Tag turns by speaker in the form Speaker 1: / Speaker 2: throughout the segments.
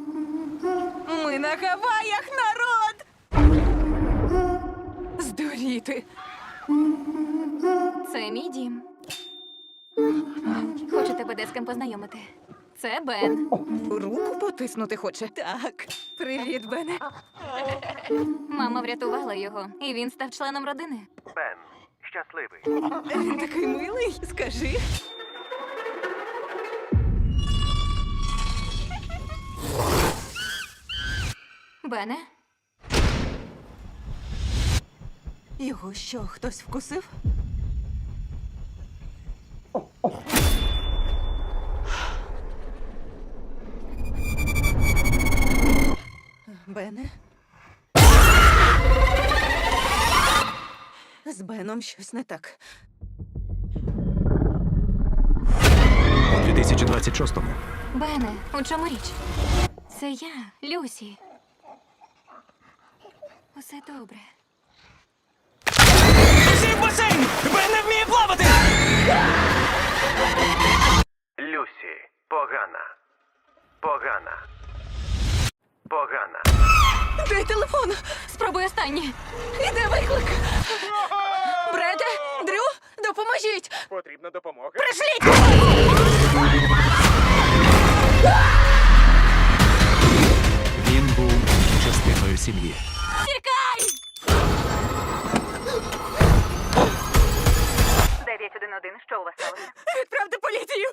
Speaker 1: Ми на Гаваях, народ! Здуріти.
Speaker 2: Це мій дім. Хочу тебе де з ким познайомити. Це Бен.
Speaker 1: Руку потиснути хоче. Так. Привіт, Бене.
Speaker 2: Мама врятувала його, і він став членом родини.
Speaker 3: Бен, щасливий.
Speaker 1: Він такий милий, скажи.
Speaker 2: Бене?
Speaker 1: Його що, хтось вкусив? Бене? З Беном щось не так.
Speaker 4: У 2026-му
Speaker 2: Бене, у чому річ? Це я, Люсі. Усе добре.
Speaker 5: Всі в басейн! Бен не вміє плавати!
Speaker 3: Люсі, погана. Погана. Погана.
Speaker 1: Де телефон?
Speaker 2: Спробуй останнє.
Speaker 1: Іде виклик. Бреде, Дрю, допоможіть.
Speaker 5: Потрібна допомога.
Speaker 4: він був частиною сім'ї.
Speaker 2: Тікай!
Speaker 6: 911, що у вас сталося?
Speaker 1: Відправте поліцію.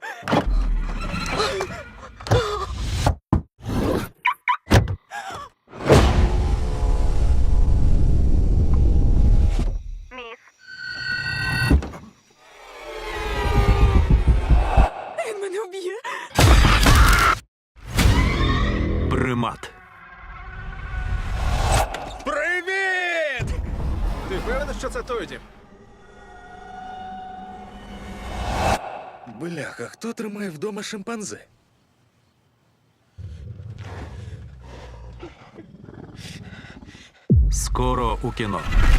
Speaker 6: Міс,
Speaker 1: Він мене вб'є.
Speaker 4: Примат.
Speaker 5: Привіт! Ти впевнений, що це той тип? Бляха, хто тримає вдома шимпанзе?
Speaker 4: Скоро у кіно.